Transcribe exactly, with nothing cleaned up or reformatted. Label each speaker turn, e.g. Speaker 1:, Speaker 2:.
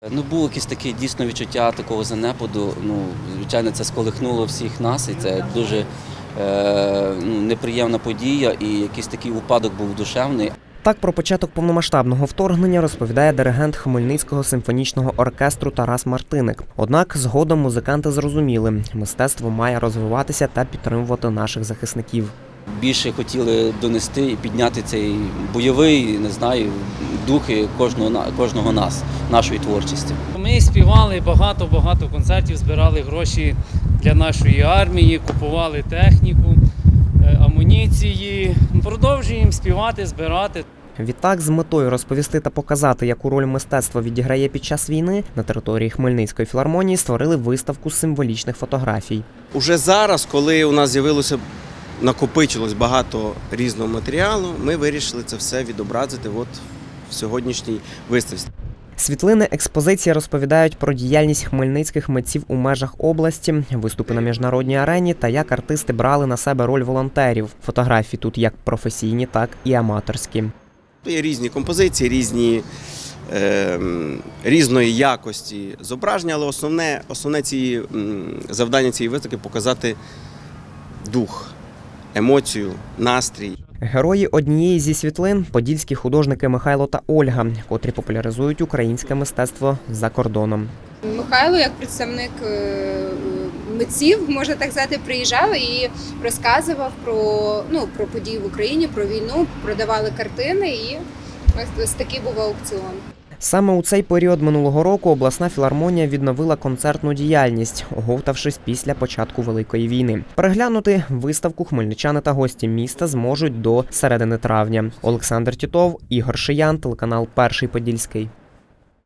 Speaker 1: Ну, було якесь таке дійсно відчуття такого занепаду. Ну, звичайно, це сколихнуло всіх нас, і це дуже е, ну, неприємна подія, і якийсь такий упадок був душевний.
Speaker 2: Так про початок повномасштабного вторгнення розповідає диригент Хмельницького симфонічного оркестру Тарас Мартиник. Однак згодом музиканти зрозуміли, мистецтво має розвиватися та підтримувати наших захисників.
Speaker 1: Більше хотіли донести і підняти цей бойовий, не знаю, духи кожного, кожного нас, нашої творчості.
Speaker 3: Ми співали багато-багато концертів, збирали гроші для нашої армії, купували техніку, амуніції. Продовжуємо співати, збирати.
Speaker 2: Відтак, з метою розповісти та показати, яку роль мистецтво відіграє під час війни, на території Хмельницької філармонії створили виставку символічних фотографій.
Speaker 4: Уже зараз, коли у нас з'явилося, накопичилось багато різного матеріалу, ми вирішили це все відобразити от в сьогоднішній виставці.
Speaker 2: Світлини експозиції розповідають про діяльність хмельницьких митців у межах області, виступи на міжнародній арені та як артисти брали на себе роль волонтерів. Фотографії тут як професійні, так і аматорські.
Speaker 4: Є різні композиції, різні, е, різної якості зображення, але основне, основне ці, завдання цієї виставки – показати дух, емоцію, настрій.
Speaker 2: Герої однієї зі світлин – подільські художники Михайло та Ольга, котрі популяризують українське мистецтво за кордоном.
Speaker 5: Михайло, як представник митців, можна так сказати, приїжджав і розказував про, ну, про події в Україні, про війну, продавали картини, і ось такий був аукціон.
Speaker 2: Саме у цей період минулого року обласна філармонія відновила концертну діяльність, оговтавшись після початку Великої війни. Переглянути виставку хмельничани та гості міста зможуть до середини травня. Олександр Тітов, Ігор Шиян, телеканал Перший Подільський.